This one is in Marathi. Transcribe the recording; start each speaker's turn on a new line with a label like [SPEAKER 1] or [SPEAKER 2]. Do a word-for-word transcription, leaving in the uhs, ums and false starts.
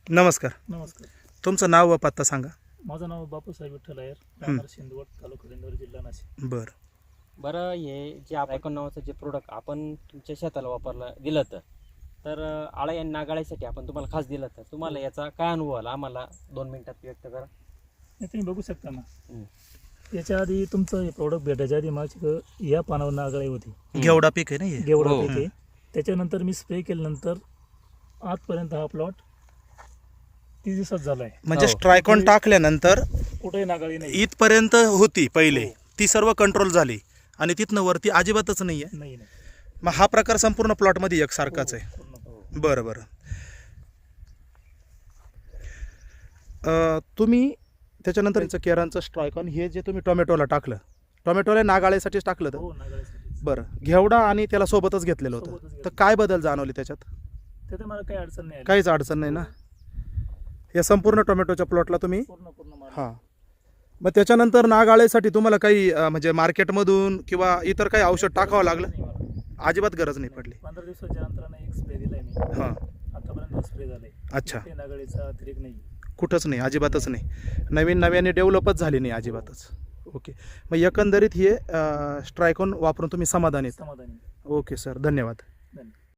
[SPEAKER 1] नमस्कार.
[SPEAKER 2] नमस्कार.
[SPEAKER 1] तुमचं नाव व पत्ता सांगा.
[SPEAKER 2] माझं नाव बापूसाहेब विठ्ठल अय्यर, राहणार शिंदवड, तालुका दिंडोरी, जिल्हा नाशिक.
[SPEAKER 1] बरं
[SPEAKER 3] बरं, हे जे आपण नावाचं जे प्रोडक्ट आपण तुमच्या शेताला वापरला दिलं तर तर आळा या नागाळ्यासाठी आपण तुम्हाला खास दिलं तर तुम्हाला याचा काय अनुभव आला आम्हाला दोन मिनिटात व्यक्त करा.
[SPEAKER 2] हे तुम्ही बघू शकता ना.
[SPEAKER 3] हं.
[SPEAKER 2] याच्या आधी तुमचं हे प्रोडक्ट भेटायच्या आधी माझी या पानावर नागाळी होती,
[SPEAKER 1] घेवडा पीक आहे ना हे.
[SPEAKER 2] गेवडा
[SPEAKER 3] हो.
[SPEAKER 2] पीक आहे. त्याच्यानंतर मी स्प्रे केल्यानंतर आजपर्यंत हा प्लॉट तीस दिवसात झाला आहे.
[SPEAKER 1] म्हणजे
[SPEAKER 3] हो.
[SPEAKER 1] स्ट्रायकॉन टाकल्यानंतर
[SPEAKER 2] कुठेही नागाळी नाही.
[SPEAKER 1] इथपर्यंत होती पहिले,
[SPEAKER 2] हो.
[SPEAKER 1] ती सर्व कंट्रोल झाली आणि तिथनं वरती अजिबातच नाही आहे.
[SPEAKER 2] नाही नाही.
[SPEAKER 1] मग हा प्रकार संपूर्ण प्लॉटमध्ये एकसारखाच आहे.
[SPEAKER 2] हो, पूर्ण.
[SPEAKER 1] बरं बरं. अं, तुम्ही त्याच्यानंतर याचं केरांचं स्ट्रायकॉन हे जे तुम्ही टोमॅटोला टाकलं, टोमॅटोला नागाळ्यासाठीच टाकलं तर
[SPEAKER 2] हो, नागाळीसाठी.
[SPEAKER 1] बरं, घेवडा आणि त्याला सोबतच घेतलेलं होतं,
[SPEAKER 2] सोबतच
[SPEAKER 1] तर
[SPEAKER 2] घेतलं.
[SPEAKER 1] काय बदल जाणवले त्याच्यात?
[SPEAKER 2] त्यात मला काही अडचण नाही आली.
[SPEAKER 1] काहीच अडचण नाही ना. या संपूर्ण टोमॅटोच्या प्लॉटला तुम्ही
[SPEAKER 2] पूर्ण पूर्ण माल.
[SPEAKER 1] हां. मग त्याच्यानंतर नागाळेसाठी तुम्हाला काही अं, म्हणजे मार्केटमधून किंवा इतर काही औषध टाकावं लागलं?
[SPEAKER 2] नाही मला.
[SPEAKER 1] अजिबात गरज नाही पडली.
[SPEAKER 2] पंधरा दिवसाच्या अंतराने एक स्प्रे दिलाय मी.
[SPEAKER 1] हां.
[SPEAKER 2] आतापर्यंत स्प्रे झालाय.
[SPEAKER 1] अच्छा.
[SPEAKER 2] ते नागाळीचा अतिरेक नाही.
[SPEAKER 1] कुठंच नाही, अजिबातच नाही. नवीन नव्याने डेव्हलपच झाली नाही अजिबातच. ओके. मग एकंदरीत हे स्ट्रायकॉन वापरून तुम्ही समाधानी आहेत?
[SPEAKER 2] समाधानी.
[SPEAKER 1] ओके सर, धन्यवाद.
[SPEAKER 2] धन्यवाद.